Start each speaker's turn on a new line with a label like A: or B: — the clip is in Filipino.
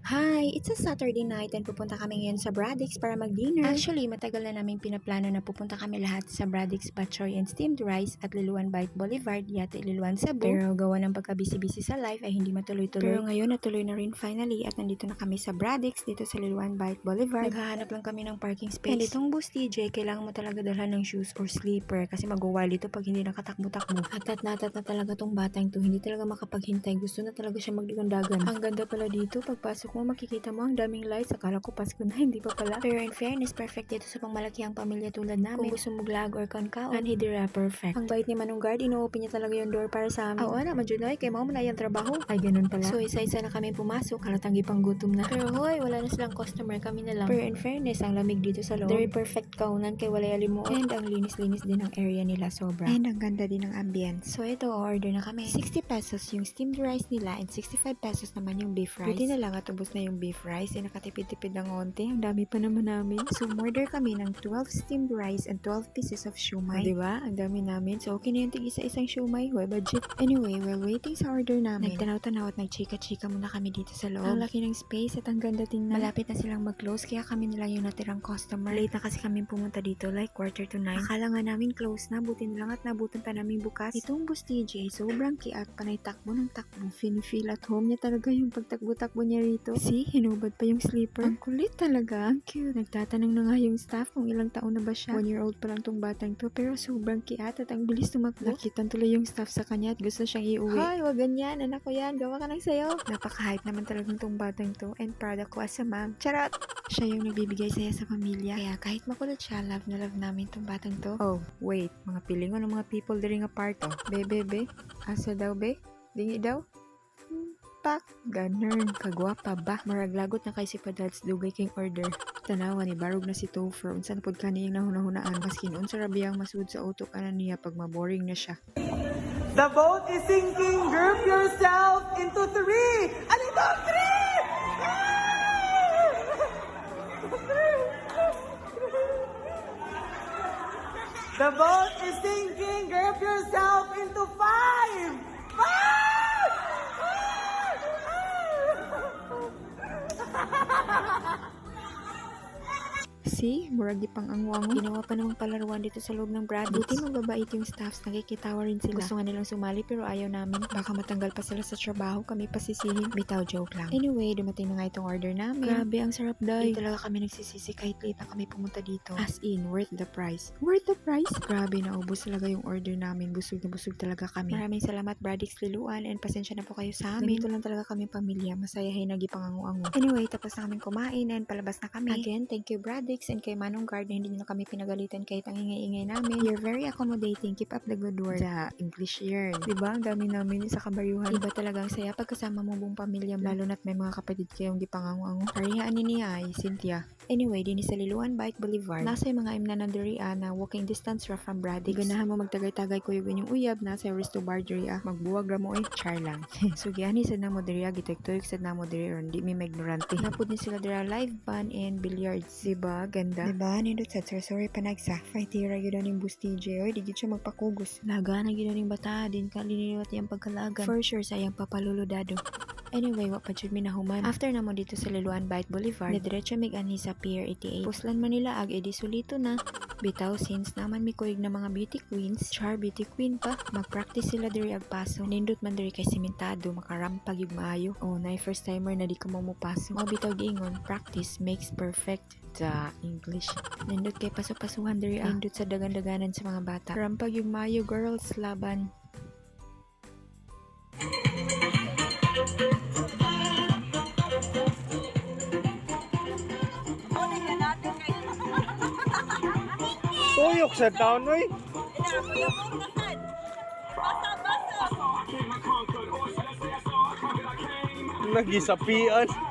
A: Hi! It's a Saturday night and pupunta kami ngayon sa Braddock's para mag-dinner. Actually, matagal na namin pinaplano na pupunta kami lahat sa Braddock's Batchoy and Steamed Rice at Liloan Bite Boulevard, yate Liloan Cebu. Pero gawa ng pagka-busy-busy sa life ay hindi matuloy-tuloy. Pero ngayon natuloy na rin finally at nandito na kami sa Braddock's dito sa Liloan Bite Boulevard. Naghahanap lang kami ng parking space. And itong bus TJ, kailangan mo talaga dalhan ng shoes or sleeper kasi mag-wild ito pag hindi nakatakbo-takbo. At na talaga tong batang to, hindi talaga makapaghintay. Gusto na talaga siya magdigandagan. Ang ganda pala dito, pagpasok mo makikita mo ang daming lights. Akala ko Pasko na, hindi pa pala. Pero in fairness, perfect dito sa pangmalakihang pamilya tulad namin. Kung gusto mo vlog or kaun-kaun, anhidira, perfect. Ang bait ni Manong Guard, ino-open niya talaga yung door para sa amin. Oo na, majunoy, kay mo na yung trabaho. Ay, ganun pala. So, isa-isa na kami pumasok, halatang gipang gutom na. Pero hoy, wala na silang customer, kami na lang. Pero in fairness, ang lamig dito sa loob. Very perfect kaunan kay walay alimuot. And ang linis-linis din ang area nila, sobra. And ang ganda din ng ambience. So, ito, order na kami. 60 pesos yung steamed rice nila and 65 pesos naman yung beef rice. Buti na lang at ubos na yung beef rice. Eh, nakatipid-tipid ng onte. Ang dami pa naman namin. So, order kami ng 12 steamed rice and 12 pieces of shumai. Diba? Ang dami namin. So, okay na yung tig-isa-isang shumai. Hoy, budget. Anyway, while waiting sa order namin, nagtanaw-tanaw at nagchika-chika muna kami dito sa loob. Ang laki ng space at ang ganda tingnan. Malapit na silang mag-close kaya kami nila yung natirang customer. Late na kasi kami pumunta dito like 8:45. Akala nga namin close na. Buti na lang at nabutan pa namin bukas. Itong bus TJ, sobrang kiat. Panay takbo ng takbo. Feel at home niya talaga yung pagtakbo-takbo niya rito. See, hinubad pa yung sleeper. Ang kulit talaga. Ang cute. Nagtatanong na nga yung staff kung ilang taon na ba siya. 1-year-old pa lang tong batang to pero sobrang kiat at ang bilis tumakbo. Nakitan tuloy yung staff sa kanya at gusto siyang iuwi. Hoy, wag ganyan. Anak ko yan. Gawa ka ng sayo. Napaka-hype naman talagang tong batang to and proud ako as a mom. Charot! Siya yung nagbibigay saya sa pamilya. Kaya kahit makulot siya, love na love namin tong batang to. Oh, wait. Mga pilingon ng mga people during a part oh. Be. Asa daw be? Dingi daw? Pak, ganern, kagwapa ba? Maraglagot na kay si Padads dugay king order. Tanawa ni barog na si Topher unsan pod kaniyang nahuna-hunaan maskin unsa ra biyang masud sa utok ana niya pag maboring na siya.
B: The boat is sinking. Group yourself into 3. And ito, 3! The boat is sinking. Group yourself into 5. 5!
A: See, muragi pang angwang. Ginawa pa namang palaruan dito sa loob ng Braddock's. Buti magbabait yung staffs, nakikitawa rin sila. Gusto nga nilang sumali pero ayaw namin. Baka matanggal pa sila sa trabaho, kami pasisihin. Bitaw, joke lang. Anyway, dumating na nga itong order namin. Grabe, ang sarap day. Hindi talaga kami nagsisisi kahit late na kami pumunta dito. As in, worth the price. Worth the price? Grabe, naubos talaga yung order namin. Busog na busog talaga kami. Maraming salamat Braddock's Liloan and pasensya na po kayo sa amin. Ganito lang talaga kami pamilya. Masayahin nagipangangu-angu. Anyway, tapos na kaming kumain and palabas na kami. Again, thank you Braddock's and kay Manong Guard na hindi nyo na kami pinagalitan kahit ang ingay-ingay namin. You're very accommodating. Keep up the good work. Sa English year. Diba? Ang dami namin sa kabaryuhan. Iba talaga ang saya pagkasama mo buong pamilya. Lalo na't may mga kapatid kayong di pangangu-angu. Parihaan ni niya ay Cynthia. Anyway, din sa Liloan Bite Boulevard. Nasa yung mga imnanandariya na walking distance ra from Braddock's. Ganahan mo magtagay-tagay kuyugan yung uyab. Nasa yung resto bar diriya. Magbuwag ra mo char lang. So, gani sa na mo diriya. Gitag-tuyok sa na mo diriya. Hindi may ignorante. Napod ni sila diriya live band and billiards. Diba? Ganda. Diba? Nindot sa sorry panagsa. Fightira yun yung bus TJ. Oy, di siya magpakugos. Laga na yun yung bata. Din kaliniwat yung pagkalagan. For sure, sayang papalulodado. Anyway, wap pa jud mi nahuman. After na mo dito sa Liloan Bite Boulevard, diretso mig anhi sa Pier 88. Puslan Manila ag edi sulito na. Bitaw since naman mi kuig na mga beauty queens, char beauty queen pa. Mag-practice sila diri ag paso. Nindot man diri kay sementado, makarampag yung maayo. Oh, na first timer na di ka mo paso. Mao bitaw giingon, practice makes perfect. Sa English. Nindot kay paso-pasuhan diri nindot sa dagan-daganan sa mga bata. Rampag yung maayo girls laban.
C: Tuyok sa taon, oy. Nagisapian.